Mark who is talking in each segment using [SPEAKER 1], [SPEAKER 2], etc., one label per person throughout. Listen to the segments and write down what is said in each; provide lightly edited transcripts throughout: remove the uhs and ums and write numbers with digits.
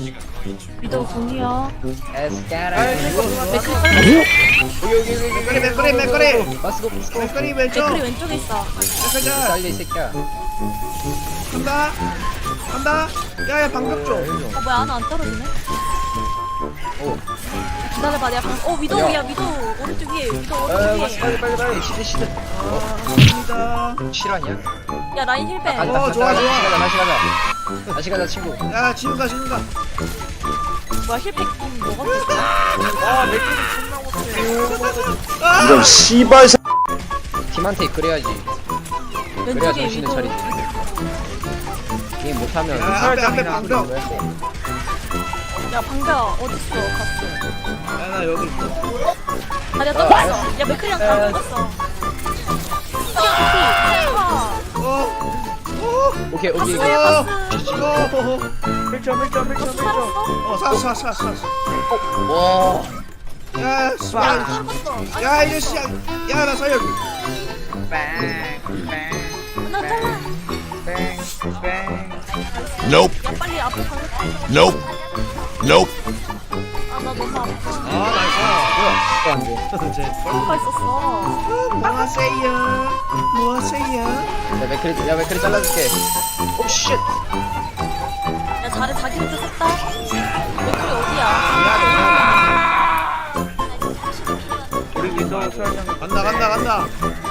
[SPEAKER 1] 위도 공이요.
[SPEAKER 2] 맥거리 맥거리
[SPEAKER 3] 마스고 마스고.
[SPEAKER 2] 맥거리 왼쪽
[SPEAKER 1] 맥크리 왼쪽에 있어.
[SPEAKER 2] 가자
[SPEAKER 3] 살려 이 새끼야.
[SPEAKER 2] 간다 간다 야야 방벽 좀
[SPEAKER 1] 뭐야 하나 안 떨어지네.
[SPEAKER 3] 오.
[SPEAKER 1] 기다려봐 내가 위도우야 위도 오른쪽 위에 위도 오른쪽
[SPEAKER 3] 마스
[SPEAKER 1] 위에.
[SPEAKER 3] 빨리 시드 시드.
[SPEAKER 2] 갑니다
[SPEAKER 3] 실화냐?
[SPEAKER 1] 야 라인 힐백.
[SPEAKER 2] 어, 좋아, 좋아.
[SPEAKER 3] 다시 가자. 다시 가자 친구.
[SPEAKER 2] 야 지금 가 지금 가
[SPEAKER 1] 뭐야 힐백 먹었어.
[SPEAKER 4] 이런 씨발 새.
[SPEAKER 3] 팀한테 이끌어야지. 그래야
[SPEAKER 1] 왼쪽에
[SPEAKER 3] 정신을
[SPEAKER 1] 위도.
[SPEAKER 3] 차리지. 게임 못하면
[SPEAKER 2] 야, 앞에 방벽.
[SPEAKER 1] 야 방벽 어딨어 갔어.
[SPEAKER 2] 야나 여기 있어
[SPEAKER 1] 아 내가 떨어졌어. 야 맥크리랑 다 먹었어.
[SPEAKER 3] 오케이 오케이.
[SPEAKER 1] 갔어.
[SPEAKER 2] 밀쳐
[SPEAKER 1] 살았어?
[SPEAKER 2] 살았어
[SPEAKER 3] 와.
[SPEAKER 2] 야 씨발 야 이제 시작 야나 살려
[SPEAKER 1] 나 잘라.
[SPEAKER 4] Nope.
[SPEAKER 1] 야 빨리 앞에 가려.
[SPEAKER 4] Nope. Nope.
[SPEAKER 1] 아나 너무 아파.
[SPEAKER 3] 또 안 돼.
[SPEAKER 1] 뭐가 있었어.
[SPEAKER 2] 뭐하세요 뭐하세요
[SPEAKER 3] 야 맥크리 잘라줄게. 오 쉣.
[SPEAKER 1] 야 잘해 자기 혼자 섰다. 맥크리 어디야?
[SPEAKER 2] 간다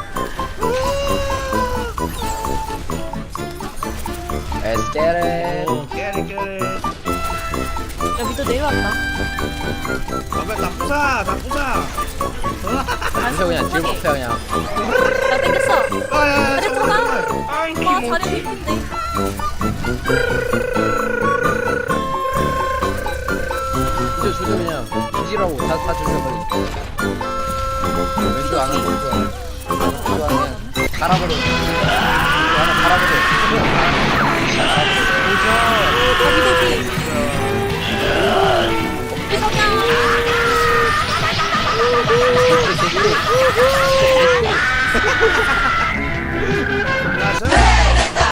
[SPEAKER 3] Let's get it.
[SPEAKER 2] 오 깨리
[SPEAKER 1] 야 위도 내려왔다.
[SPEAKER 2] 다 부사
[SPEAKER 3] 그래서 그냥 뒤로 뽑혀 그냥.
[SPEAKER 1] 야 땡겼어.
[SPEAKER 2] 아야
[SPEAKER 1] 그래 들어가.
[SPEAKER 2] 아이
[SPEAKER 1] 와 자리 밀린데.
[SPEAKER 3] 조져 그냥. 뒤지라고 다 조져 빨리. 왼쪽 안 하고 왼쪽 안 해. 갈아버려. 하나 갈아버려.
[SPEAKER 1] 야 위도지. 이성형.